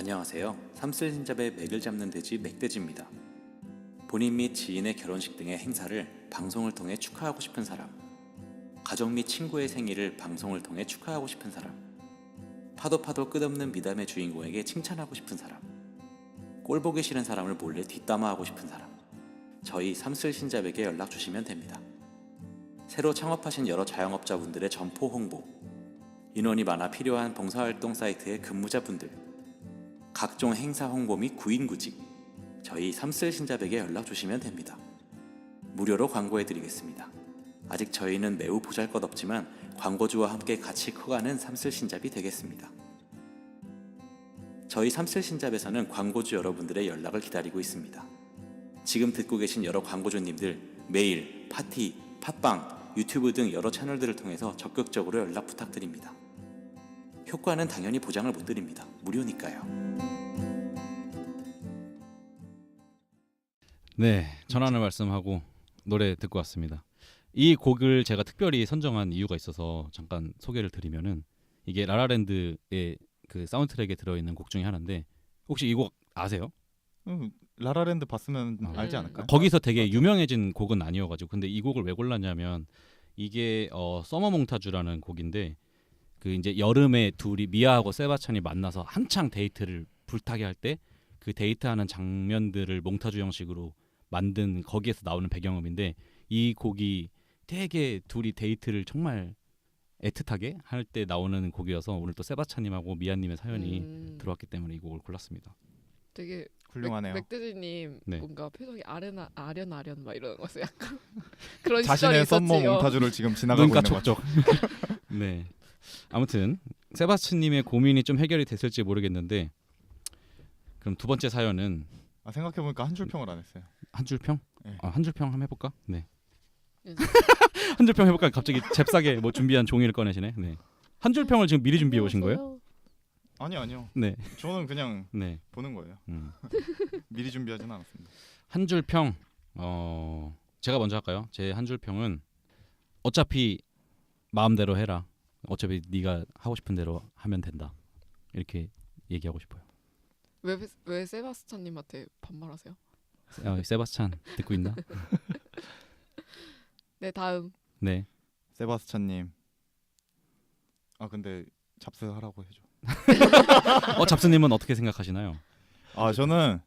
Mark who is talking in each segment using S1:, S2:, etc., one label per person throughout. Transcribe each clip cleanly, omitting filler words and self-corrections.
S1: 안녕하세요. 삼슬신잡의 맥을 잡는 돼지 맥돼지입니다. 본인 및 지인의 결혼식 등의 행사를 방송을 통해 축하하고 싶은 사람, 가족 및 친구의 생일을 방송을 통해 축하하고 싶은 사람, 파도 끝없는 미담의 주인공에게 칭찬하고 싶은 사람, 꼴 보기 싫은 사람을 몰래 뒷담화하고 싶은 사람, 저희 삼슬신잡에게 연락 주시면 됩니다. 새로 창업하신 여러 자영업자분들의 점포 홍보, 인원이 많아 필요한 봉사활동 사이트의 근무자분들, 각종 행사 홍보 및 구인구직, 저희 삼슬신잡에게 연락 주시면 됩니다. 무료로 광고해드리겠습니다. 아직 저희는 매우 보잘것없지만 광고주와 함께 같이 커가는 삼슬신잡이 되겠습니다. 저희 삼슬신잡에서는 광고주 여러분들의 연락을 기다리고 있습니다. 지금 듣고 계신 여러 광고주님들 메일, 파티, 팟빵, 유튜브 등 여러 채널들을 통해서 적극적으로 연락 부탁드립니다. 효과는 당연히 보장을 못 드립니다. 무료니까요.
S2: 네, 전하는 말씀하고 노래 듣고 왔습니다. 이 곡을 제가 특별히 선정한 이유가 있어서 잠깐 소개를 드리면은 이게 라라랜드의 그 사운드트랙에 들어있는 곡 중에 하나인데 혹시 이 곡 아세요?
S3: 라라랜드 봤으면 알지 않을까요?
S2: 거기서 되게 유명해진 곡은 아니어가지고 근데 이 곡을 왜 골랐냐면 이게 서머 몽타주라는 곡인데 그 이제 여름에 둘이 미아하고 세바스찬이 만나서 한창 데이트를 불타게 할 때 그 데이트하는 장면들을 몽타주 형식으로 만든 거기에서 나오는 배경음인데 이 곡이 되게 둘이 데이트를 정말 애틋하게 할 때 나오는 곡이어서 오늘 또 세바스찬님하고 미아님의 사연이 들어왔기 때문에 이 곡을 골랐습니다.
S4: 되게
S3: 훌륭하네요.
S4: 맥돼지님
S2: 네.
S4: 뭔가 표정이 아련 막 이러는 거였어요. 약간 그런
S3: 자신의
S4: 시절이
S3: 썸머
S4: 있었지요.
S3: 몽타주를 지금 지나가고
S2: 눈가
S3: 있는 거죠.
S2: 촉촉. 네. 아무튼 세바스찬님의 고민이 좀 해결이 됐을지 모르겠는데 그럼 두 번째 사연은
S3: 생각해보니까 한 줄 평을 안 했어요.
S2: 한 줄 평?
S3: 네.
S2: 한 줄 평 한번 해볼까? 네.
S4: 네.
S2: 한 줄 평 해볼까? 갑자기 잽싸게 뭐 준비한 종이를 꺼내시네. 네. 한 줄 평을 지금 미리 준비해 오신 거예요?
S3: 아니요.
S2: 네.
S3: 저는 그냥
S2: 네.
S3: 보는 거예요. 미리 준비하지는 않았습니다.
S2: 한 줄 평. 제가 먼저 할까요? 제 한 줄 평은 어차피 마음대로 해라. 어차피 네가 하고 싶은 대로 하면 된다. 이렇게 얘기하고 싶어요.
S4: 왜 세바스찬님한테 반말하세요?
S2: 세바스찬 듣고 있나?
S4: 네, 다음.
S2: 네.
S3: 세바스찬님. 근데 잡스하라고 해줘.
S2: 잡스님은 어떻게 생각하시나요?
S3: 저는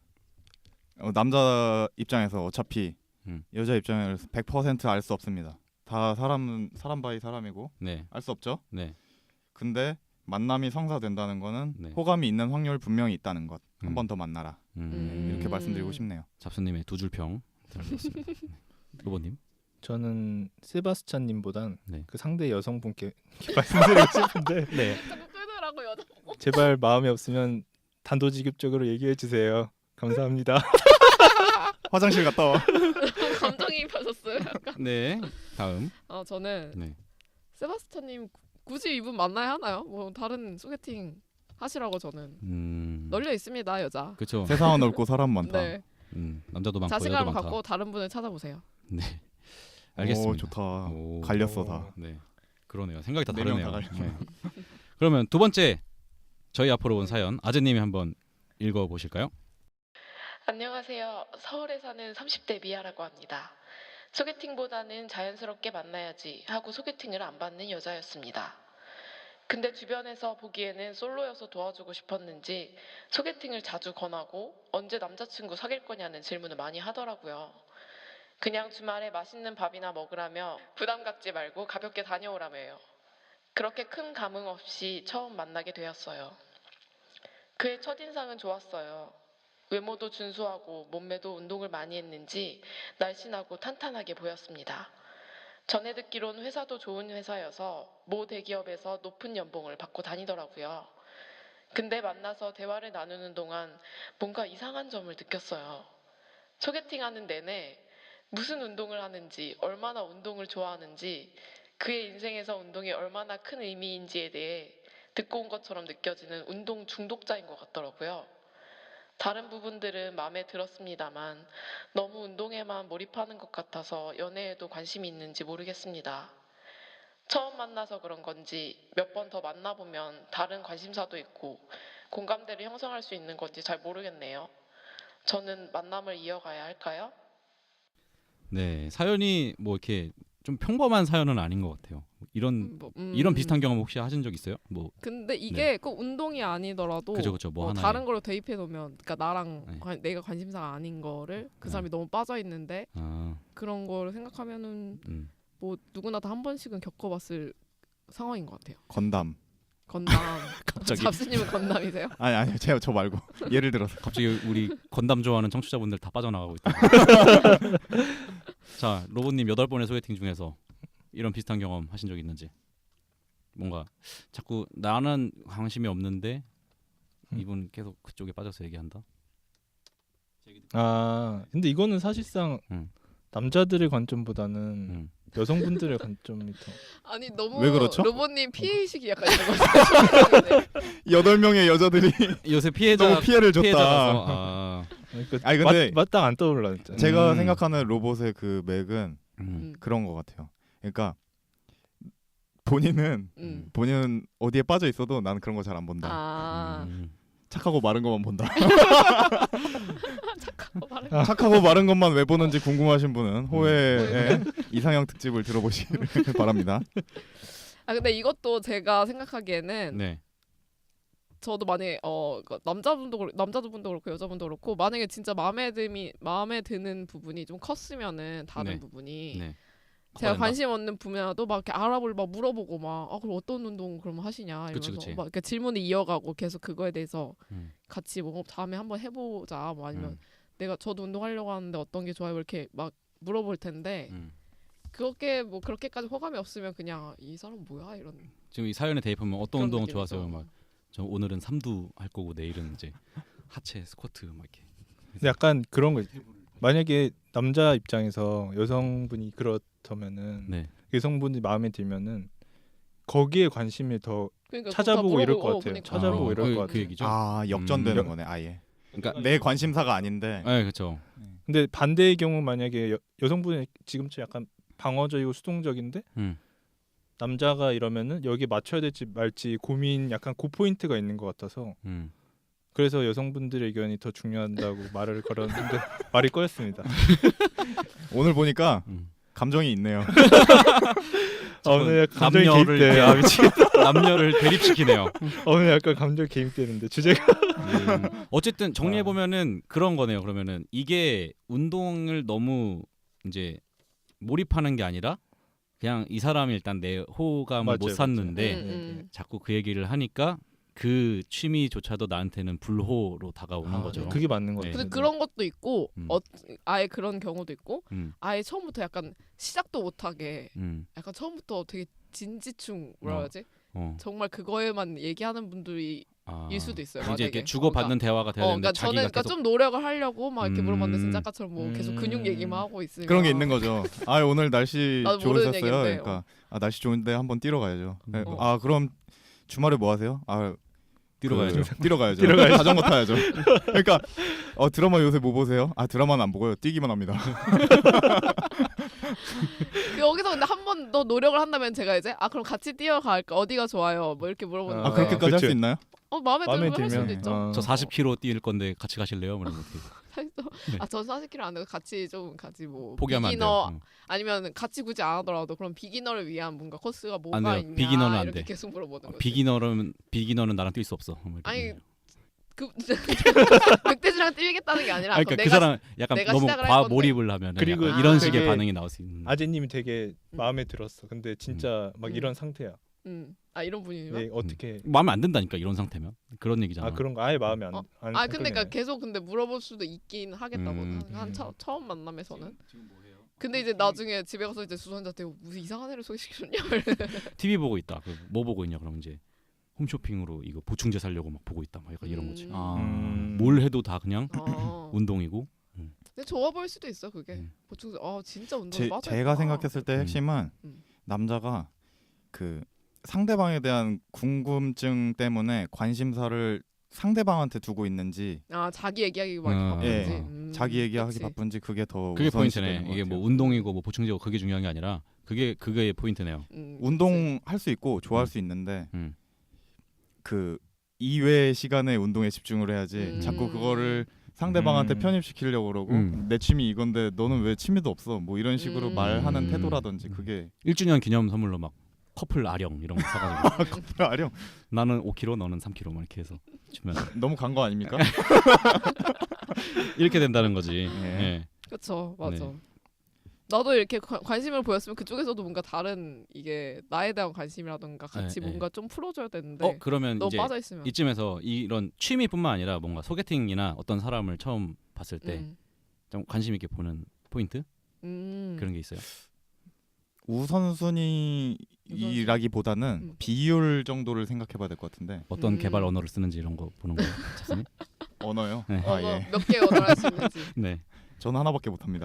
S3: 남자 입장에서 어차피 여자 입장에서 100% 알 수 없습니다. 다 사람 바이 사람이고
S2: 네.
S3: 알 수 없죠.
S2: 네.
S3: 근데 만남이 성사된다는 거는
S2: 네.
S3: 호감이 있는 확률 분명히 있다는 것. 한 번 더 만나라. 이렇게
S4: 음.
S3: 말씀드리고 싶네요.
S2: 잡스님의 두 줄 평 들었습니다. 네. 로보님.
S5: 저는 세바스찬님보단
S2: 네.
S5: 그 상대 여성분께 이렇게 말씀드리고 싶은데
S2: 네.
S4: 자꾸 끊으라고 여자.
S5: 제발 마음이 없으면 단도직입적으로 얘기해 주세요. 감사합니다.
S3: 화장실 갔다 와.
S4: 감정이입하셨어요. 약간.
S2: 네. 다음.
S4: 저는
S2: 네.
S4: 세바스찬님 굳이 이분 만나야 하나요? 뭐 다른 소개팅 하시라고 저는 널려 있습니다, 여자.
S2: 그렇죠.
S3: 세상은 넓고 사람 많다.
S4: 네.
S2: 남자도 많고 여자도
S4: 자신감을
S2: 많다.
S4: 갖고 다른 분을 찾아보세요.
S2: 네. 알겠습니다.
S3: 오, 좋다.
S2: 오.
S3: 갈렸어 다.
S2: 네. 그러네요. 생각이 다
S3: 네명
S2: 다르네요.
S3: 다
S2: 네. 그러면 두 번째 저희 앞으로 온 사연 아재님이 한번 읽어 보실까요?
S6: 안녕하세요. 서울에 사는 30대 미아라고 합니다. 소개팅보다는 자연스럽게 만나야지 하고 소개팅을 안 받는 여자였습니다. 근데 주변에서 보기에는 솔로여서 도와주고 싶었는지 소개팅을 자주 권하고 언제 남자친구 사귈 거냐는 질문을 많이 하더라고요. 그냥 주말에 맛있는 밥이나 먹으라며 부담 갖지 말고 가볍게 다녀오라며요. 그렇게 큰 감흥 없이 처음 만나게 되었어요. 그의 첫인상은 좋았어요. 외모도 준수하고 몸매도 운동을 많이 했는지 날씬하고 탄탄하게 보였습니다. 전에 듣기론 회사도 좋은 회사여서 모 대기업에서 높은 연봉을 받고 다니더라고요. 근데 만나서 대화를 나누는 동안 뭔가 이상한 점을 느꼈어요. 소개팅하는 내내 무슨 운동을 하는지, 얼마나 운동을 좋아하는지, 그의 인생에서 운동이 얼마나 큰 의미인지에 대해 듣고 온 것처럼 느껴지는 운동 중독자인 것 같더라고요. 다른 부분들은 마음에 들었습니다만 너무 운동에만 몰입하는 것 같아서 연애에도 관심이 있는지 모르겠습니다. 처음 만나서 그런 건지 몇 번 더 만나보면 다른 관심사도 있고 공감대를 형성할 수 있는 건지 잘 모르겠네요. 저는 만남을 이어가야 할까요?
S2: 네, 사연이 뭐 이렇게 좀 평범한 사연은 아닌 것 같아요. 이런 비슷한 경험 혹시 하신 적 있어요? 뭐
S4: 근데 이게 꼭 운동이 아니더라도
S2: 그죠 뭐 하나
S4: 다른 걸로 대입해 놓으면, 그러니까 나랑
S2: 네.
S4: 내가 관심사가 아닌 거를 그
S2: 네.
S4: 사람이 너무 빠져 있는데
S2: 아,
S4: 그런 거를 생각하면은 뭐 누구나 다 한 번씩은 겪어봤을 상황인 것 같아요.
S3: 건담.
S4: 건담.
S2: 갑자기
S4: 잡스님은 건담이세요?
S3: 아니 제가 저 말고 예를 들어서
S2: 갑자기 우리 건담 좋아하는 청취자분들 다 빠져나가고 있다. 자, 로봇님 8번의 소개팅 중에서 이런 비슷한 경험 하신 적 있는지? 뭔가 자꾸 나는 관심이 없는데 이분 계속 그쪽에 빠져서 얘기한다.
S5: 아 근데 이거는 사실상 남자들의 관점보다는 여성분들의 관점이 더
S4: 아니 너무
S3: 왜 그렇죠?
S4: 로봇님 피해의식이 약간 있는 것 같아요.
S3: 8명의 여자들이
S2: 요새 피해자
S3: 너무 피해를 줬다.
S2: 피해자라서 아,
S5: 그러니까
S3: 아니, 근데
S5: 마땅 안 떠올라 진짜.
S3: 제가 생각하는 로봇의 그 맥은
S4: 음.
S3: 그런 것 같아요. 그러니까 본인은 어디에 빠져 있어도 나는 그런 거 잘 안 본다.
S4: 아
S3: 착하고 마른 것만 본다.
S4: 착하고 말해.
S3: 착하고 마른 것만 왜 보는지 궁금하신 분은 호의 이상형 특집을 들어보시길 바랍니다.
S4: 아 근데 이것도 제가 생각하기에는
S2: 네.
S4: 저도 만약에 그 남자분도 그렇고 여자분도 그렇고 만약에 진짜 마음에 드는 부분이 좀 컸으면은 다른
S2: 네.
S4: 부분이
S2: 네.
S4: 제가
S2: 커버된다.
S4: 관심 없는 분야도 막 이렇게 알아보고 막 물어보고 막 그럼 어떤 운동 그럼 하시냐 이러면서
S2: 그치.
S4: 막 이렇게 질문을 이어가고 계속 그거에 대해서
S2: 음.
S4: 같이 뭐 다음에 한번 해보자 뭐 아니면 저도 운동하려고 하는데 어떤 게 좋아요 이렇게 막 물어볼 텐데 그렇게 뭐 그렇게까지 호감이 없으면 그냥 이 사람 뭐야 이런
S2: 지금 이 사연에 대입하면 어떤
S4: 그런
S2: 운동
S4: 느낌이죠.
S2: 좋아하세요? 막 저 오늘은 삼두 할 거고 내일은 이제 하체 스쿼트 막 이렇게.
S5: 근데 약간 그런 거 만약에 남자 입장에서 여성분이 그렇다면은
S2: 네.
S5: 여성분이 마음에 들면은 거기에 관심을 더
S4: 그러니까
S5: 찾아보고 이럴 것 같아요.
S4: 그러니까.
S5: 찾아보고 이럴 것
S2: 그
S5: 같아요.
S2: 얘기죠.
S3: 아 역전되는
S2: 음.
S3: 거네 아예.
S2: 그러니까
S3: 내 관심사가 아닌데.
S2: 네, 그렇죠.
S5: 근데 반대의 경우 만약에 여성분이 지금처럼 약간 방어적이고 수동적인데 남자가 이러면은 여기 맞춰야 될지 말지 고민 약간 그 포인트가 있는 것 같아서 그래서 여성분들의 의견이 더 중요하다고 말을 걸었는데 말이 꼬였습니다.
S3: 오늘 보니까 감정이 있네요.
S5: 오늘 약간 감정이
S2: 남녀를
S5: 개입돼. 아 미치겠다.
S2: 남녀를 대립시키네요.
S5: 오늘 약간 감정 개입되는데 주제가.
S2: 어쨌든 정리해 보면은 그런 거네요. 그러면은 이게 운동을 너무 이제 몰입하는 게 아니라 그냥 이 사람이 일단 내 호감을
S5: 맞아요,
S2: 못
S5: 맞아요.
S2: 샀는데 자꾸 그 얘기를 하니까 그 취미조차도 나한테는 불호로 다가오는 거죠.
S5: 그게 맞는 것
S2: 네.
S5: 같아요.
S4: 근데 그런 것도 있고 아예 그런 경우도 있고
S2: 음.
S4: 아예 처음부터 약간 시작도 못하게
S2: 음.
S4: 약간 처음부터 되게 진지충 뭐라 해야지 정말 그거에만 얘기하는 분들이 일 수도 있어요.
S2: 이제
S4: 만약에.
S2: 이렇게 주고받는 대화가 돼야 되는데
S4: 그러니까 저는
S2: 자기가
S4: 그러니까
S2: 계속
S4: 좀 노력을 하려고 막 이렇게 물어봤는데 진짜 아까처럼 뭐 계속 근육 얘기만 하고 있으니까
S3: 그런 게 있는 거죠. 아 오늘 날씨
S4: 나도 모르는
S3: 좋으셨어요.
S4: 얘기인데,
S3: 그러니까 아 날씨 좋은데 한번 뛰러 가야죠.
S4: 어.
S3: 아 그럼 주말에 뭐 하세요? 아
S2: 뛰러 가야죠.
S3: 뛰러 가야죠.
S5: 뛰러 가야죠.
S3: 자전거 타야죠. 그러니까 드라마 요새 뭐 보세요? 아 드라마는 안 보고요. 뛰기만 합니다.
S4: 여기서 근데 한 번 더 노력을 한다면 제가 이제 그럼 같이 뛰어갈까 어디가 좋아요 뭐 이렇게 물어보는
S3: 아
S4: 거예요.
S3: 그렇게까지 할 수
S5: 그쵸.
S3: 있나요?
S4: 마음에
S5: 마음에
S4: 들면 할 수도
S5: 들면
S4: 있죠.
S2: 저 40km 뛸 건데 같이 가실래요? 뭐 이런 거. 네.
S4: 전 40km 안 되고 같이 뭐
S2: 포기하면 안
S4: 비기너
S2: 돼요.
S4: 아니면 같이 굳이 안 하더라도 그럼 비기너를 위한 뭔가 코스가
S2: 안
S4: 뭐가
S2: 돼요.
S4: 있냐
S2: 비기너는 안
S4: 이렇게
S2: 돼.
S4: 계속 물어보는 거죠.
S2: 비기너는 나랑 뛸 수 없어. 뭐 이렇게.
S4: 아니 늑대지랑 뛰겠다는 게 아니라
S2: 그러니까
S4: 그럼
S2: 그 사람 약간
S4: 내가
S2: 너무
S4: 시작을 할
S2: 과
S4: 건데.
S2: 몰입을 하면
S5: 그리고
S2: 이런 식의
S5: 되게
S2: 반응이 나올 수 있는.
S5: 아재님이 되게 마음에 들었어. 근데 진짜 막
S4: 음.
S5: 이런 상태야.
S4: 이런 분이면
S5: 네, 어떻게?
S2: 마음에 안 든다니까 이런 상태면 그런 얘기잖아.
S5: 아 그런 거 아예 마음에 안. 안
S4: 근데 그러니까
S5: 끌리네.
S4: 계속 근데 물어볼 수도 있긴 하겠다고 처음 만남에서는. 근데 이제 나중에 집에 가서 이제 주선자한테 무슨 이상한 애를 소개시켜줬냐.
S2: TV 보고 있다. 뭐 보고 있냐? 그럼 이제 홈쇼핑으로 이거 보충제 사려고 막 보고 있다. 막 약간 이런 거지. 뭘 해도 다 그냥 운동이고.
S4: 근데 좋아 보일 수도 있어 그게. 보충제 진짜 운동 빠져.
S3: 제가 생각했을 때 핵심은 남자가 그 상대방에 대한 궁금증 때문에 관심사를 상대방한테 두고 있는지
S4: 자기 얘기하기 막 바쁜지
S3: 자기 얘기하기
S4: 그치.
S3: 바쁜지 그게 더
S2: 그게
S3: 우선시
S2: 포인트네.
S3: 되는 것
S2: 이게
S3: 같아요.
S2: 뭐 운동이고 뭐 보충제고 그게 중요한 게 아니라 그게 포인트네요.
S3: 운동할 수 있고 좋아할 수 있는데
S2: 음.
S3: 그 이외의 시간에 운동에 집중을 해야지 자꾸 그거를 상대방한테 편입시키려고 그러고 내 취미 이건데 너는 왜 취미도 없어 뭐 이런 식으로 말하는 태도라든지 그게
S2: 1주년 기념 선물로 막 커플 아령 이런 거 사가지고
S3: 커플 아령
S2: 나는 5kg 너는 3kg 막 이렇게 해서 주면
S3: 너무 간 거 아닙니까?
S2: 이렇게 된다는 거지.
S3: 예.
S2: 예.
S4: 그렇죠, 맞아.
S2: 네.
S4: 나도 이렇게 관심을 보였으면 그쪽에서도 뭔가 다른 이게 나에 대한 관심이라든가 같이
S2: 네,
S4: 뭔가 좀 풀어줘야 되는데
S2: 그러면
S4: 너무
S2: 이제
S4: 빠져 있으면
S2: 이쯤에서 이런 취미뿐만 아니라 뭔가 소개팅이나 어떤 사람을 처음 봤을 때 좀 관심 있게 보는 포인트 그런 게 있어요.
S3: 우선순위라기보다는 비율 정도를 생각해봐야 될 것 같은데
S2: 어떤 개발 언어를 쓰는지 이런 거 보는 거예요, 작가님?
S3: 언어요?
S2: 네.
S3: 예.
S4: 몇 개 언어를 할 수 있는지.
S2: 네.
S3: 저는 하나밖에 못합니다.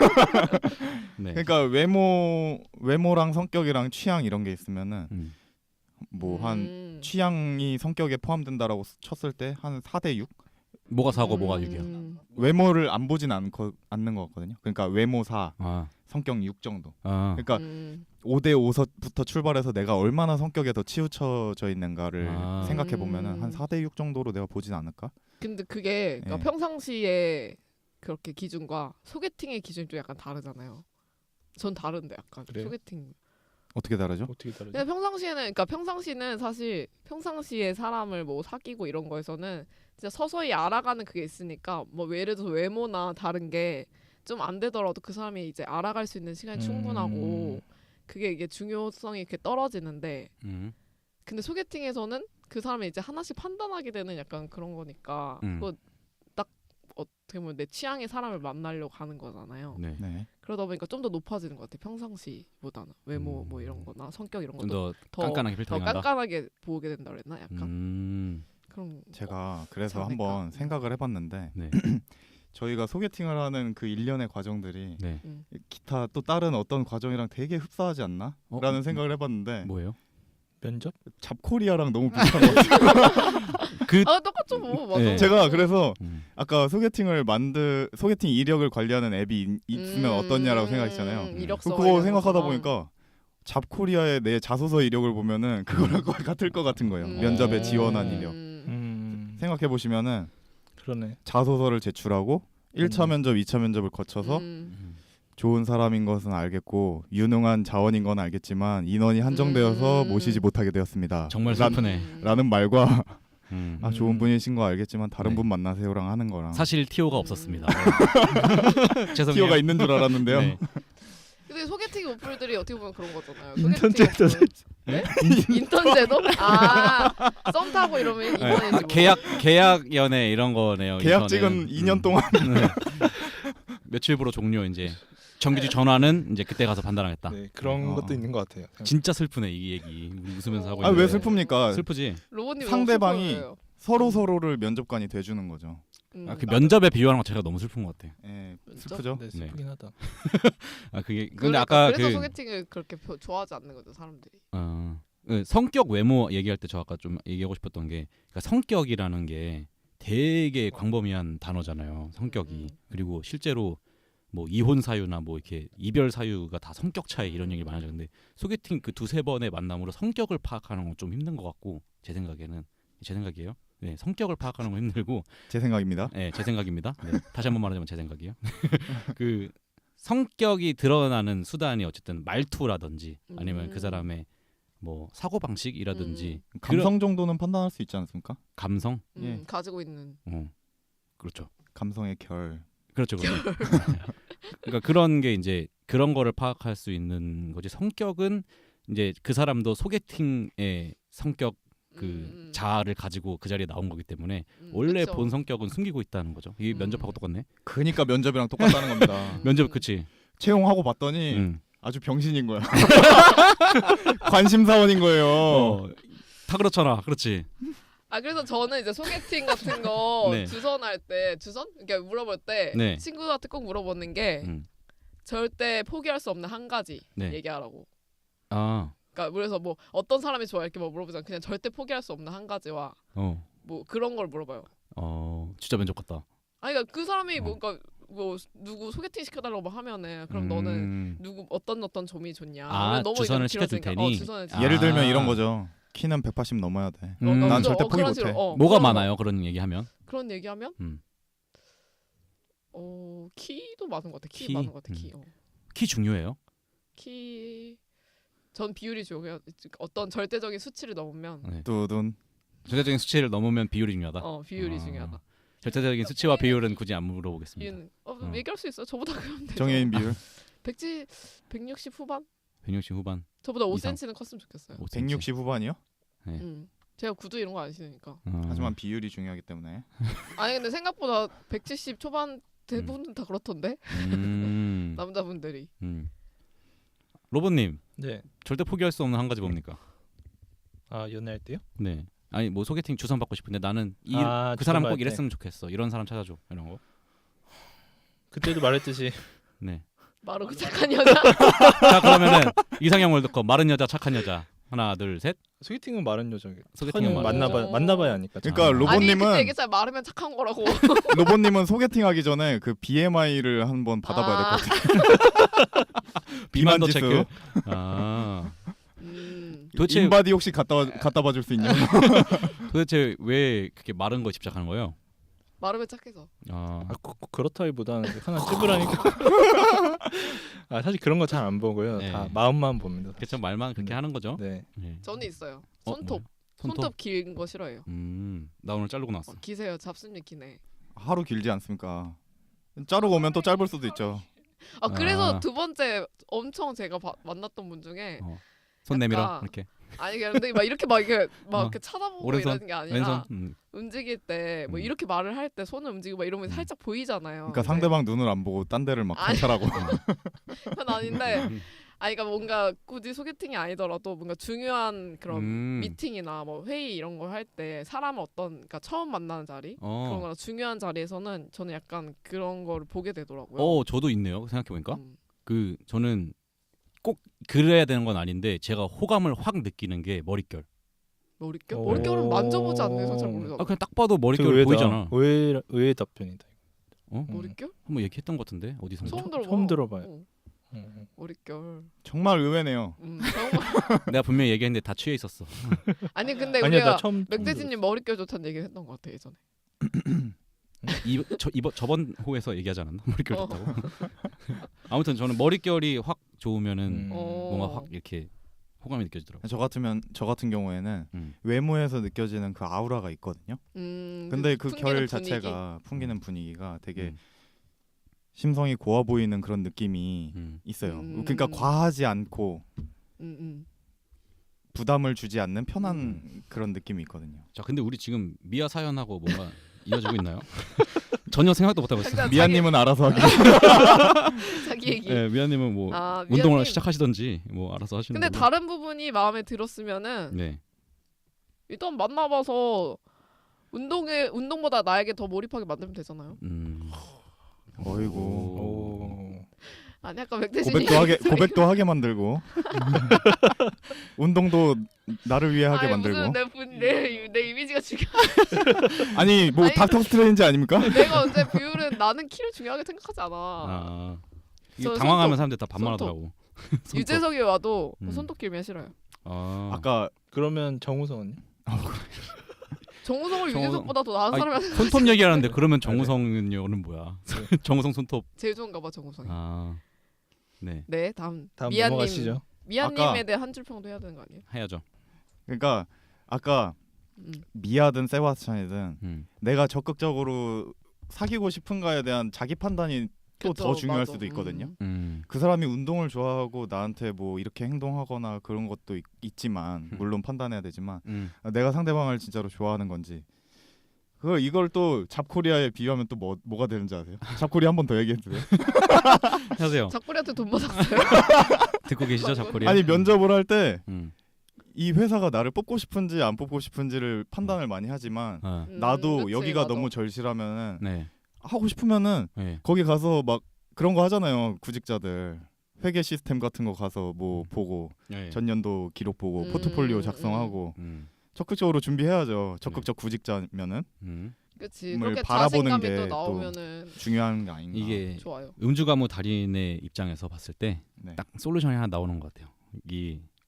S2: 네.
S3: 그러니까 외모랑 성격이랑 취향 이런 게 있으면은 뭐 한 취향이 성격에 포함된다라고 쳤을 때 한 4대6?
S2: 뭐가 4고 뭐가 6이야?
S3: 외모를 안 보진 않는 것 같거든요. 그러니까 외모 4,
S2: 아.
S3: 성격 6 정도.
S2: 아.
S3: 그러니까 5대5부터 출발해서 내가 얼마나 성격에 더 치우쳐져 있는가를 생각해 보면은 한 4대6 정도로 내가 보진 않을까?
S4: 근데 그게 그러니까
S3: 네.
S4: 평상시에 그렇게 기준과 소개팅의 기준이 좀 약간 다르잖아요. 전 다른데 약간
S5: 그래요?
S4: 소개팅.
S3: 어떻게 다르죠?
S5: 어떻게 다르죠?
S4: 그냥 평상시에는 사실 평상시에 사람을 뭐 사귀고 이런 거에서는 진짜 서서히 알아가는 그게 있으니까 뭐 예를 들어서 외모나 다른 게 좀 안 되더라도 그 사람이 이제 알아갈 수 있는 시간이 충분하고 그게 이게 중요성이 이렇게 떨어지는데 근데 소개팅에서는 그 사람이 이제 하나씩 판단하게 되는 약간 그런 거니까 그거 딱 어떻게 보면 내 취향의 사람을 만나려고 가는 거잖아요.
S2: 네.
S3: 네.
S4: 그러다 보니까 좀 더 높아지는 것 같아. 평상시보다는 외모 뭐 이런 거나 성격 이런
S2: 좀
S4: 것도
S2: 더 깐깐하게
S4: 더
S2: 필터링한다.
S4: 깐깐하게 보게 된다 그랬나 약간 그런
S3: 제가 그래서
S4: 그렇지 않을까?
S3: 한번 생각을 해봤는데
S2: 네.
S3: 저희가 소개팅을 하는 그 일련의 과정들이
S2: 네.
S3: 기타 또 다른 어떤 과정이랑 되게 흡사하지 않나? 라는 생각을 해봤는데
S2: 뭐예요?
S5: 면접?
S3: 잡코리아랑 너무 비슷한 것 같아요.
S4: 아 똑같죠 뭐 맞아.
S2: 네.
S3: 제가 그래서 아까 소개팅 이력을 관리하는 앱이 있으면 어떻냐라고 생각했잖아요.
S4: 이력서
S3: 그거
S4: 이런
S3: 생각하다
S4: 것처럼.
S3: 보니까 잡코리아의 내 자소서 이력을 보면은 그거랑 거의 같을 것 같은 거예요. 면접에 지원한 이력. 생각해 보시면은
S5: 그러네.
S3: 자소서를 제출하고 1차 면접, 2차 면접을 거쳐서 좋은 사람인 것은 알겠고 유능한 자원인 건 알겠지만 인원이 한정되어서 모시지 못하게 되었습니다.
S2: 정말 슬프네.
S3: 라는 말과
S2: 음.
S3: 좋은 분이신 거 알겠지만 다른
S2: 네.
S3: 분 만나세요랑 하는 거랑
S2: 사실 티오가 없었습니다. 죄송해요.
S3: 티어가 있는 줄 알았는데요.
S2: 네.
S4: 근데 소개팅 어플들이 어떻게 보면 그런 거잖아요.
S5: 인턴
S4: 소개팅
S5: 제도.
S4: 어플. 네? 인턴 제도? 썸 타고 이러면 인턴이지 뭐.
S2: 계약 연애 이런 거네요.
S3: 계약직은 2년 동안
S2: 네. 며칠부로 종료 이제 정규직 전화는 이제 그때 가서 판단하겠다.
S5: 네, 그런 것도 있는 것 같아요.
S2: 진짜 슬프네 이 얘기. 우리 웃으면서 하고
S3: 왜
S2: 있는데.
S3: 슬픕니까?
S2: 슬프지.
S4: 로봇님
S3: 상대방이
S4: 너무
S3: 서로를 면접관이 돼주는 거죠.
S2: 그 면접에 비유하는 거 제가 너무 슬픈 것 같아.
S3: 예,
S4: 면접?
S3: 슬프죠.
S5: 네, 슬프긴 하다.
S2: 그게 근데
S4: 그러니까
S2: 아까
S4: 그래서
S2: 그
S4: 소개팅을 그렇게 좋아하지 않는 거죠 사람들이.
S2: 성격 외모 얘기할 때 저 아까 좀 얘기하고 싶었던 게 그러니까 성격이라는 게 되게 광범위한 단어잖아요. 성격이. 그리고 실제로 뭐 이혼 사유나 뭐 이렇게 이별 사유가 다 성격 차이 이런 얘기를 많이 하죠. 근데 소개팅 그 두세 번의 만남으로 성격을 파악하는 건 좀 힘든 것 같고 제 생각이에요. 네, 성격을 파악하는 건 힘들고
S3: 제 생각입니다.
S2: 네, 제 생각입니다. 네, 다시 한번 말하자면 제 생각이에요. 그 성격이 드러나는 수단이 어쨌든 말투라든지 아니면 그 사람의 뭐 사고 방식이라든지
S3: 감성 정도는 판단할 수 있지 않습니까?
S2: 감성.
S3: 예.
S4: 가지고 있는.
S2: 그렇죠.
S3: 감성의 결.
S2: 그렇죠. 그러니까 그런 게 이제 그런 거를 파악할 수 있는 거지. 성격은 이제 그 사람도 소개팅의 성격 그 자아를 가지고 그 자리에 나온 거기 때문에 원래
S4: 그쵸.
S2: 본 성격은 숨기고 있다는 거죠. 이게 면접하고 똑같네.
S3: 그러니까 면접이랑 똑같다는 겁니다.
S2: 면접 그치.
S3: 채용하고 봤더니 아주 병신인 거야. 관심사원인
S2: 어.
S3: 거예요.
S2: 다 그렇잖아. 그렇지.
S4: 그래서 저는 이제 소개팅 같은 거
S2: 네.
S4: 주선할 때 그러니까 물어볼 때
S2: 네.
S4: 친구한테 꼭 물어보는 게 절대 포기할 수 없는 한 가지
S2: 네.
S4: 얘기하라고.
S2: 아.
S4: 그러니까 그래서 뭐 어떤 사람이 좋아 이렇게 뭐 물어보잖아. 그냥 절대 포기할 수 없는 한 가지와 뭐 그런 걸 물어봐요.
S2: 진짜 면접 같다.
S4: 그러니까 그 사람이 그러니까 뭐 누구 소개팅 시켜달라고 막 하면은 그럼 너는 누구 어떤 점이 좋냐. 그러면 너무
S2: 주선을
S4: 이건
S2: 시켜줄
S4: 길어지니까.
S2: 테니.
S4: 주선을
S3: 예를 들면 이런 거죠. 키는 180 넘어야 돼.
S2: 음.
S3: 난
S4: 그죠?
S3: 절대 포기
S4: 그런
S3: 못해.
S4: 식으로,
S2: 뭐가
S4: 그런
S2: 많아요? 그런 얘기하면?
S4: 그런 얘기하면
S2: 음.
S4: 키도 많은 것 같아. 키
S2: 키?
S4: 많은 것 같아. 키.
S2: 키 중요해요?
S4: 키. 전 비율이 중요해요. 어떤 절대적인 수치를 넘으면
S2: 네.
S3: 뚜둔.
S2: 절대적인 수치를 넘으면 비율이 중요하다.
S4: 비율이 중요하다.
S2: 절대적인 수치와 비율은 굳이 안 물어보겠습니다.
S4: 비율은 얘기할 수 있어. 저보다 그러면 되죠.
S3: 정해인 비율.
S4: 160 후반?
S2: 160 후반.
S4: 저보다
S2: 이상.
S4: 5cm는 컸으면 좋겠어요.
S2: 5cm.
S3: 160 후반이요?
S2: 네.
S4: 제가 구두 이런 거 안 신으니까.
S3: 하지만 비율이 중요하기 때문에.
S4: 아니 근데 생각보다 170 초반 대부분 다 그렇던데 남자분들이.
S2: 로봇님
S5: 네.
S2: 절대 포기할 수 없는 한 가지 뭡니까?
S5: 아 연애할 때요?
S2: 네. 아니 뭐 소개팅 주선 받고 싶은데 나는 그 사람
S5: 주선
S2: 꼭
S5: 받을 때.
S2: 이랬으면 좋겠어. 이런 사람 찾아줘. 이런 거.
S5: 그때도 말했듯이
S2: 네.
S4: 마르고 착한 여자.
S2: 자 그러면은 이상형 월드컵 마른 여자 착한 여자 하나 둘 셋.
S5: 소개팅은 마른 여자.
S2: 소개팅은 마른
S5: 만나봐야 하니까.
S3: 그러니까
S2: 아.
S4: 아니 그때
S3: 로봇님은
S4: 얘기했잖아. 마르면 착한 거라고.
S3: 로봇님은 소개팅하기 전에 그 BMI를 한번 받아봐야 될 것 같아요.
S2: 비만도
S3: 지수.
S2: 체크. 아.
S4: 음.
S2: 도대체
S3: 인바디 혹시 갖다 봐줄 수 있냐?
S2: 도대체 왜 그렇게 마른 거에 집착하는 거예요?
S4: 마르면 착해서.
S2: 아.
S5: 그렇다기보다는 하나 찝으라니까. 사실 그런 거 잘 안 보고요.
S2: 네.
S5: 다 마음만 봅니다.
S2: 그쵸 말만 그렇게 하는 거죠.
S5: 네.
S2: 네.
S4: 저는 있어요.
S2: 어,
S4: 손톱.
S2: 뭐야?
S4: 손톱 긴 거 싫어해요.
S2: 나 오늘 자르고 나왔어.
S4: 기세요. 잡습니다. 기네.
S3: 하루 길지 않습니까? 자르고 오면 또 짧을 수도 있죠.
S4: 그래서
S2: 아.
S4: 두 번째 엄청 제가 만났던 분 중에
S2: 손 내밀어
S4: 약간
S2: 이렇게.
S4: 아니 근데 막 이렇게 이렇게 쳐다보고
S2: 오른손,
S4: 이러는 게 아니라
S2: 왼손.
S4: 움직일 때 뭐 이렇게 말을 할 때 손을 움직이고 막 이러면 살짝 보이잖아요.
S3: 그러니까 상대방 눈을 안 보고 딴 데를 막
S4: 아니.
S3: 관찰하고.
S4: 그건 아닌데 그러니까 뭔가 굳이 소개팅이 아니더라도 뭔가 중요한 그런 미팅이나 뭐 회의 이런 걸 할 때 사람을 그러니까 처음 만나는 자리 그런 거나 중요한 자리에서는 저는 약간 그런 거를 보게 되더라고요.
S2: 저도 있네요. 생각해 보니까.
S4: 음.
S2: 저는 꼭 그래야 되는 건 아닌데 제가 호감을 확 느끼는 게 머릿결.
S4: 머릿결?
S5: 오.
S4: 머릿결은 만져보지 않는 이상 잘 모르잖아.
S2: 그냥 딱 봐도 머릿결
S5: 의외다.
S2: 보이잖아.
S5: 의외의 답변이다.
S4: 머릿결?
S2: 한번 얘기했던 것 같은데 어디서?
S5: 처음 들어봐요.
S4: 머릿결.
S3: 정말 의외네요.
S4: 정말.
S2: 내가 분명히 얘기했는데 다 취해 있었어.
S4: 아니 근데
S5: 아니야 나
S4: 우리가
S5: 처음
S4: 맥대진님 머릿결 좋다는 얘기를 했던 것 같아 예전에.
S2: 저번 호에서 얘기하지 않았나? 머릿결
S4: 어.
S2: 좋다고. 아무튼 저는 머릿결이 확 좋으면은
S4: 어.
S2: 뭔가 확 이렇게 호감이 느껴지더라고.
S3: 저 같은 경우에는 외모에서 느껴지는 그 아우라가 있거든요. 근데 그 결 자체가 풍기는 분위기가 되게 심성이 고와 보이는 그런 느낌이 있어요. 그러니까 과하지 않고 부담을 주지 않는 편한 그런 느낌이 있거든요.
S2: 자, 근데 우리 지금 미아 사연하고 뭔가 이어지고 있나요? 전혀 생각도 못 하고 있어요.
S3: 미아님은 알아서 하기.
S4: 자기 얘기.
S2: 네, 미아님은 뭐 운동을
S4: 미아님.
S2: 시작하시던지 뭐 알아서 하시는.
S4: 근데
S2: 거고.
S4: 다른 부분이 마음에 들었으면은
S2: 네.
S4: 일단 만나봐서 운동보다 나에게 더 몰입하게 만들면 되잖아요.
S3: 어이구.
S4: 아니 약간 맥대진이
S3: 고백도 하게 만들고 운동도 나를 위해 하게 만들고.
S4: 무슨 내 이미지가 중요.
S3: 아니 뭐
S4: 아니,
S3: 닥터 스트레인지 아닙니까?
S4: 내가 언제 비율은 나는 키를 중요하게 생각하지 않아.
S2: 이게
S4: 저는
S2: 당황하면
S4: 손톱,
S2: 사람들 다 반말하더라고.
S4: 유재석이 와도 손톱 길면 싫어요.
S3: 아까
S5: 그러면 정우성은요?
S4: 정우성을 유재석보다 더 나은 사람이
S2: 손톱 얘기하는데 그러면 정우성은요는 뭐야? 정우성 손톱.
S4: 제일 좋은가 봐 정우성이.
S2: 네.
S4: 네 다음
S5: 넘어가시죠.
S4: 미아님에 대해 한 줄 평도 해야 되는 거 아니에요?
S2: 해야죠.
S3: 그러니까 아까 미아든 세바스찬이든 내가 적극적으로 사귀고 싶은가에 대한 자기 판단이 또 더 중요할 수도 있거든요. 그 사람이 운동을 좋아하고 나한테 뭐 이렇게 행동하거나 그런 것도 있지만 물론 판단해야 되지만 내가 상대방을 진짜로 좋아하는 건지 이걸 또 잡코리아에 비유하면 또 뭐가 되는지 아세요? 잡코리아 한 번 더 얘기해도 돼요?
S2: 하세요.
S4: 잡코리한테 돈 받았어요?
S2: 듣고 계시죠, 잡코리아?
S3: 아니 면접을 할 때 이 회사가 나를 뽑고 싶은지 안 뽑고 싶은지를 판단을 많이 하지만 나도
S4: 그치,
S3: 여기가
S4: 맞아.
S3: 너무 절실하면은
S2: 네.
S3: 하고 싶으면은 거기 가서 막 그런 거 하잖아요. 구직자들 회계 시스템 같은 거 가서 뭐 보고 전년도 기록 보고 포트폴리오 작성하고 적극적으로 준비해야죠. 적극적 구직자면은
S4: 그치.
S3: 뭘
S4: 그렇게
S3: 바라보는
S4: 자신감이
S3: 게
S4: 또
S3: 또
S4: 나오면은
S3: 중요한 게 아닌가.
S2: 이게
S4: 좋아요.
S2: 음주가무 달인의 입장에서 봤을 때
S3: 네.
S2: 딱 솔루션이 하나 나오는 것 같아요. 이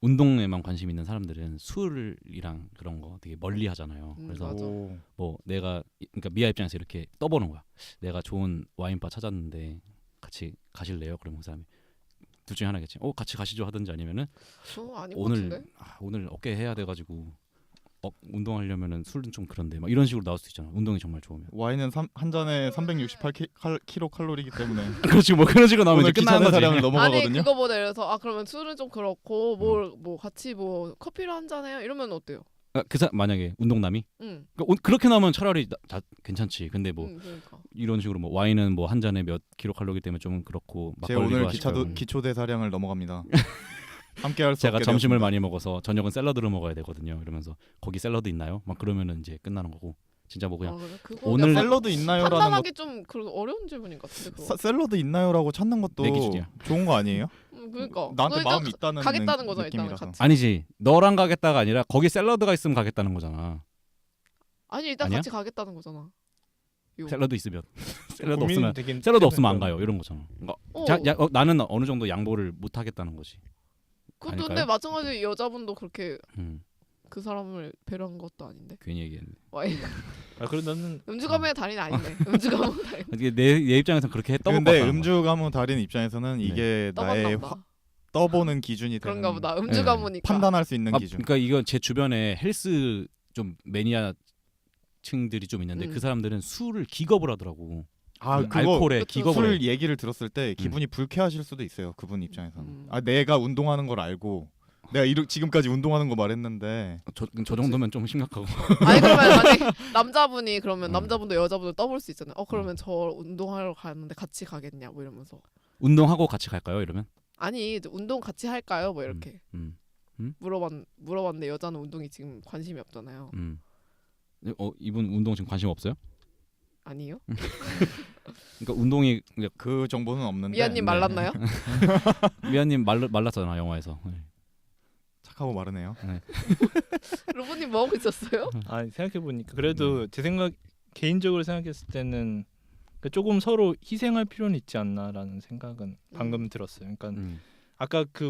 S2: 운동에만 관심 있는 사람들은 술이랑 그런 거 되게 멀리 하잖아요. 그래서
S4: 맞아.
S2: 뭐 내가 그러니까 미아 입장에서 이렇게 떠보는 거야. 내가 좋은 와인바 찾았는데 같이 가실래요? 그러면 그 사람이 둘 중에 하나겠지. 같이 가시죠 하든지 아니면은
S4: 아닌 것
S2: 오늘
S4: 같은데?
S2: 오늘 어깨 해야 돼가지고 운동하려면은 술은 좀 그런데 막 이런 식으로 나올 수도 있잖아. 운동이 정말 좋으면.
S3: 와인은 한 잔에 368kcal 칼로리이기 때문에
S2: 그렇지 뭐 그런 식으로 나오면
S3: 오늘
S2: 이제 끝나는
S3: 귀찮은
S2: 거지.
S3: 사량을
S4: 아니
S3: 넘어가거든요.
S4: 그거보다 예를 들어서 그러면 술은 좀 그렇고 뭐 같이 뭐 커피를 한 잔 해요 이러면 어때요?
S2: 만약에 운동남이
S4: 응.
S2: 그렇게 나오면 차라리 괜찮지. 근데 뭐
S4: 그러니까.
S2: 이런 식으로 뭐 와인은 뭐 한 잔에 몇 킬로칼로리 때문에 좀 그렇고
S3: 제
S2: 막걸리도
S3: 오늘
S2: 하시고.
S3: 기초 대사량을 넘어갑니다. 함께 할 수
S2: 제가
S3: 없게
S2: 점심을
S3: 되었습니다.
S2: 많이 먹어서 저녁은 샐러드를 먹어야 되거든요. 이러면서 거기 샐러드 있나요? 막 그러면은 이제 끝나는 거고. 진짜 뭐 그냥
S4: 그래? 그거
S2: 오늘
S4: 약간
S3: 샐러드 있나요라는 것
S4: 판단하기 좀 어려운 질문인 것 같은데 그거.
S3: 샐러드 있나요라고 찾는 것도
S2: 내 기준이야.
S3: 좋은 거 아니에요?
S4: 그러니까
S3: 나한테
S4: 그러니까
S3: 마음이 있다는
S4: 가겠다는 거잖아,
S3: 느낌이라서.
S4: 일단은 같이.
S2: 아니지. 너랑 가겠다가 아니라 거기 샐러드가 있으면 가겠다는 거잖아.
S4: 아니 일단
S2: 아니야?
S4: 같이 가겠다는 거잖아. 요.
S2: 샐러드 있으면 샐러드
S5: 고민이
S2: 없으면
S5: 되긴
S2: 샐러드 없으면 안
S5: 하잖아요.
S2: 가요. 이런 거잖아. 그러니까
S4: 어.
S2: 나는 어느 정도 양보를 못 하겠다는 거지.
S4: 그것도
S2: 아닐까요?
S4: 근데 마찬가지로 여자분도 그렇게
S2: 음,
S4: 그 사람을 배려한 것도 아닌데.
S2: 괜히 얘기했네.
S4: 와인
S5: 그래 나는
S4: 음주 가문의 달인 아니네. 음주 가문 달인.
S2: 이게 내 입장에서는 그렇게 떠먹고
S3: 근데
S2: 왔다는
S3: 음주 가문 달인 입장에서는 이게 나의
S4: 떠봤나 보다.
S3: 떠보는 기준이 되는
S4: 그런가 보다. 음주
S2: 네.
S4: 가문이니까.
S3: 판단할 수 있는
S2: 거야.
S3: 기준.
S2: 그러니까 이건 제 주변에 헬스 좀 매니아층들이 좀 있는데 그 사람들은 술을 기겁을 하더라고. 그거 알코올에
S4: 그쵸.
S2: 기겁을
S3: 술
S2: 해.
S3: 얘기를 들었을 때 기분이 불쾌하실 수도 있어요. 그분 입장에서는.
S4: 음.
S3: 내가 운동하는 걸 알고 내가 지금까지 운동하는 거 말했는데
S2: 저 정도면 좀 심각하고.
S4: 아니 그러면 만약 남자분이 그러면
S2: 음.
S4: 남자분도 여자분도 떠볼 수 있잖아요. 그러면 저 운동하러 가는데 같이 가겠냐 뭐 이러면서.
S2: 운동하고 같이 갈까요? 이러면?
S4: 아니 운동 같이 할까요? 뭐 이렇게
S2: 음.
S4: 물어봤는데 여자는 운동이 지금 관심이 없잖아요.
S2: 이분 운동 지금 관심 없어요?
S4: 아니요?
S2: 그러니까 운동이
S3: 그 정보는 없는데
S4: 미아님 말랐나요?
S2: 미아님 말랐잖아 영화에서. 네.
S3: 착하고 마르네요.
S4: 로봇님 뭐 하고 있었어요?
S5: 아니 생각해 보니까 그래도 제 생각 개인적으로 생각했을 때는 그러니까 조금 서로 희생할 필요는 있지 않나라는 생각은 방금 들었어요. 그러니까 아까 그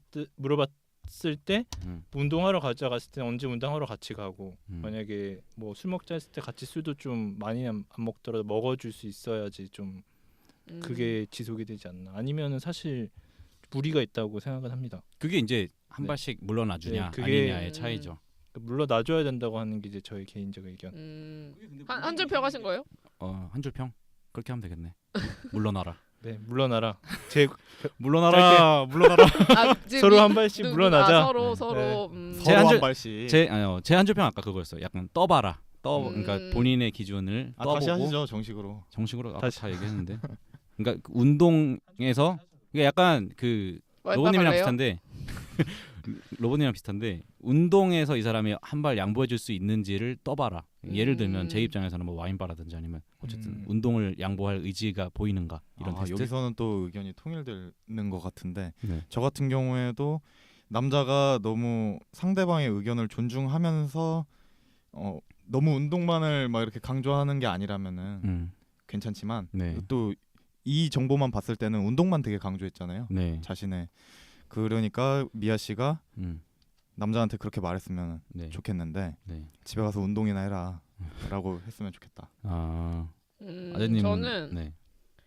S5: 물어봤을 때 운동하러 가자 갔을 때 언제 운동하러 같이 가고 만약에 뭐 술 먹자 했을 때 같이 술도 좀 많이 안 먹더라도 먹어줄 수 있어야지 좀 그게 지속이 되지 않나. 아니면은 사실 무리가 있다고 생각은 합니다.
S2: 그게 이제 한
S5: 네.
S2: 발씩 물러나주냐
S5: 네, 그게-
S2: 아니냐의 차이죠.
S5: 물론 놔줘야 된다고 하는 게 이제 저의 개인적 의견.
S4: 한 줄 평하신 거예요?
S2: 한 줄 평? 그렇게 하면 되겠네. 물러나라.
S5: 네, 물러나라. 제
S2: 물러나라. 물러나라.
S4: 지금
S5: 서로 한 발씩 물러나자.
S4: 서로
S5: 네.
S2: 제
S3: 서로
S2: 한
S3: 한
S2: 줄-
S3: 발씩.
S2: 제 한 줄 평 아까 그거였어요. 약간 떠봐라. 그러니까 본인의 기준을 떠보고
S3: 다시 하시죠 정식으로.
S2: 정식으로 아까
S5: 다시.
S2: 다 얘기했는데. 그러니까 그 운동에서 이게 약간 그 로봇님이랑 비슷한데 운동에서 이 사람이 한 발 양보해줄 수 있는지를 떠봐라. 예를 들면 제 입장에서는 뭐 와인바라든지 아니면 어쨌든 운동을 양보할 의지가 보이는가 이런 테스트.
S3: 여기서는 또 의견이 통일되는 것 같은데
S2: 네.
S3: 저 같은 경우에도 남자가 너무 상대방의 의견을 존중하면서 너무 운동만을 막 이렇게 강조하는 게 아니라면은 괜찮지만
S2: 네.
S3: 또 이 정보만 봤을 때는 운동만 되게 강조했잖아요.
S2: 네.
S3: 자신의 그러니까 미아 씨가 남자한테 그렇게 말했으면
S2: 네.
S3: 좋겠는데
S2: 네.
S3: 집에 가서 운동이나 해라라고 했으면 좋겠다.
S2: 아재님은
S4: 저는
S2: 네.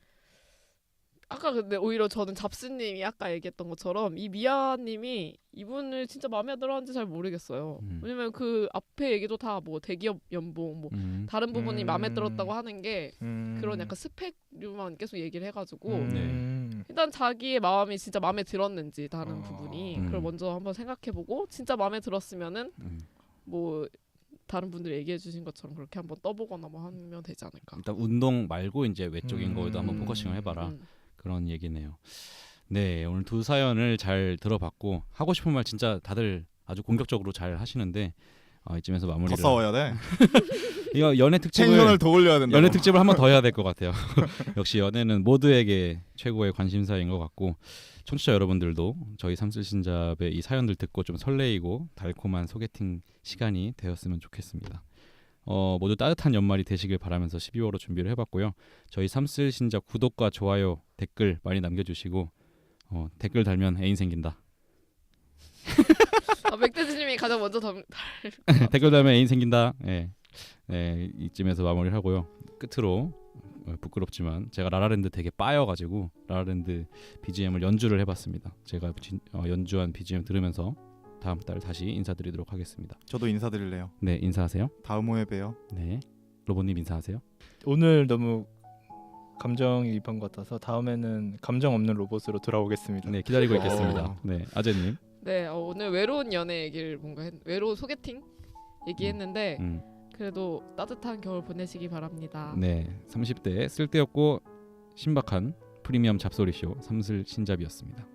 S4: 아까 근데 오히려 저는 잡스님이 아까 얘기했던 것처럼 이 미아님이 이분을 진짜 마음에 들어하는지 잘 모르겠어요. 왜냐면 그 앞에 얘기도 다 뭐 대기업 연봉 뭐 다른 부분이 마음에 들었다고 하는 게 그런 약간 스펙류만 계속 얘기를 해가지고 일단 자기의 마음이 진짜 마음에 들었는지 다른 부분이 그걸 먼저 한번 생각해보고 진짜 마음에 들었으면은 뭐 다른 분들이 얘기해 주신 것처럼 그렇게 한번 떠보거나 뭐 하면 되지 않을까.
S2: 일단 운동 말고 이제 외적인 거에도 한번 포커싱을 해봐라. 그런 얘기네요. 네, 오늘 두 사연을 잘 들어봤고 하고 싶은 말 진짜 다들 아주 공격적으로 잘 하시는데 이쯤에서 마무리를.
S3: 더 싸워야 돼.
S2: 이거 연애
S3: 텐션을 더 올려야 된다.
S2: 연애 특집을 한번 더 해야 될 것 같아요. 역시 연애는 모두에게 최고의 관심사인 것 같고 청취자 여러분들도 저희 삼슬신잡의 이 사연들 듣고 좀 설레이고 달콤한 소개팅 시간이 되었으면 좋겠습니다. 모두 따뜻한 연말이 되시길 바라면서 12월호 준비를 해봤고요. 저희 삼슬신잡 구독과 좋아요, 댓글 많이 남겨주시고 댓글 달면 애인 생긴다.
S4: 맥대지님이 가장 먼저
S2: 댓글 달면 애인 생긴다. 예. 네, 이쯤에서 마무리를 하고요. 끝으로 부끄럽지만 제가 라라랜드 되게 빠여가지고 라라랜드 BGM을 연주를 해봤습니다. 제가 연주한 BGM 들으면서 다음 달 다시 인사드리도록 하겠습니다.
S3: 저도 인사드릴래요.
S2: 네, 인사하세요.
S3: 다음 호에 봬요.
S2: 네, 로봇님 인사하세요.
S5: 오늘 너무 감정이입한 것 같아서 다음에는 감정 없는 로봇으로 돌아오겠습니다.
S2: 네, 기다리고 있겠습니다. 네, 아재님.
S4: 네, 오늘 외로운 연애 얘기를 외로운 소개팅 얘기했는데 그래도 따뜻한 겨울 보내시기 바랍니다.
S2: 네, 30대 쓸데없고 신박한 프리미엄 잡소리쇼 삼슬 신잡이었습니다.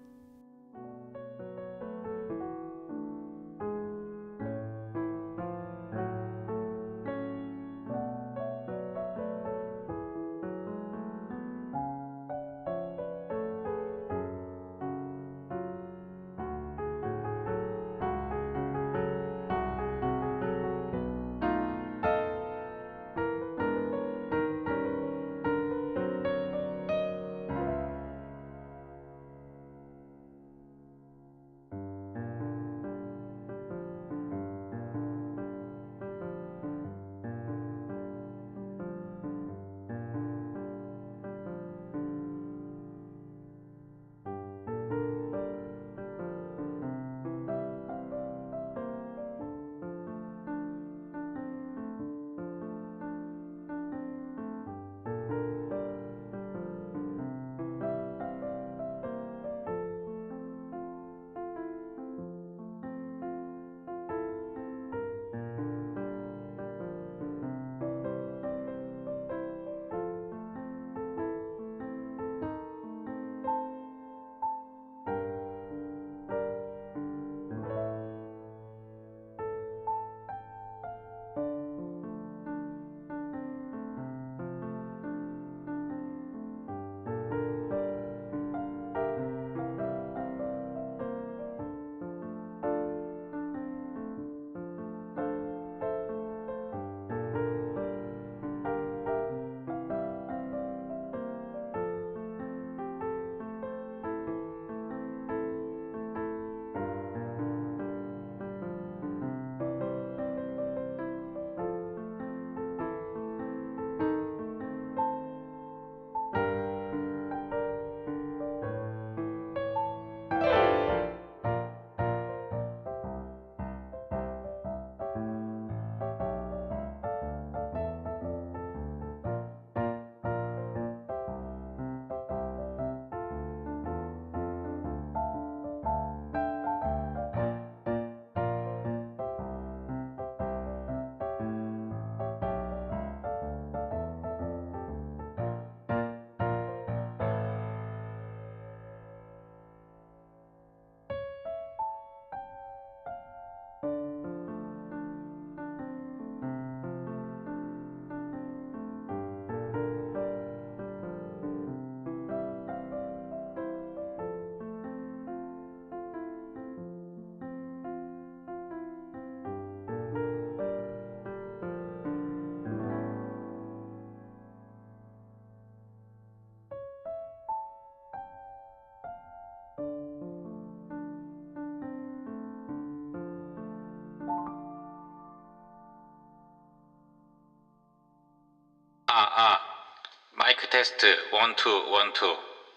S7: 마이크 테스트 1, 2, 1, 2.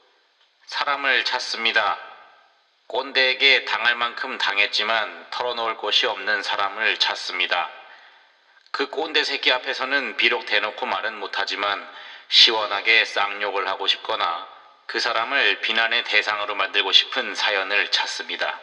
S7: 사람을 찾습니다. 꼰대에게 당할 만큼 당했지만 털어놓을 곳이 없는 사람을 찾습니다. 그 꼰대 새끼 앞에서는 비록 대놓고 말은 못하지만 시원하게 쌍욕을 하고 싶거나 그 사람을 비난의 대상으로 만들고 싶은 사연을 찾습니다.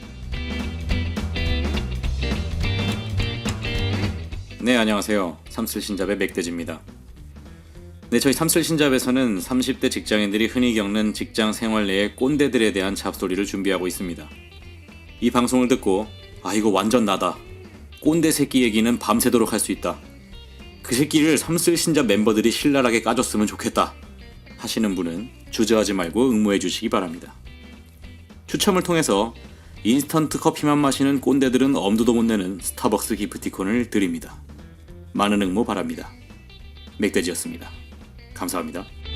S1: 네, 안녕하세요. 삼슬신잡의 맥대지입니다. 네, 저희 삼슬신잡에서는 30대 직장인들이 흔히 겪는 직장 생활 내의 꼰대들에 대한 잡소리를 준비하고 있습니다. 이 방송을 듣고 이거 완전 나다. 꼰대 새끼 얘기는 밤새도록 할 수 있다. 그 새끼를 삼슬신잡 멤버들이 신랄하게 까줬으면 좋겠다 하시는 분은 주저하지 말고 응모해 주시기 바랍니다. 추첨을 통해서 인스턴트 커피만 마시는 꼰대들은 엄두도 못 내는 스타벅스 기프티콘을 드립니다. 많은 응모 바랍니다. 맥돼지였습니다. 감사합니다.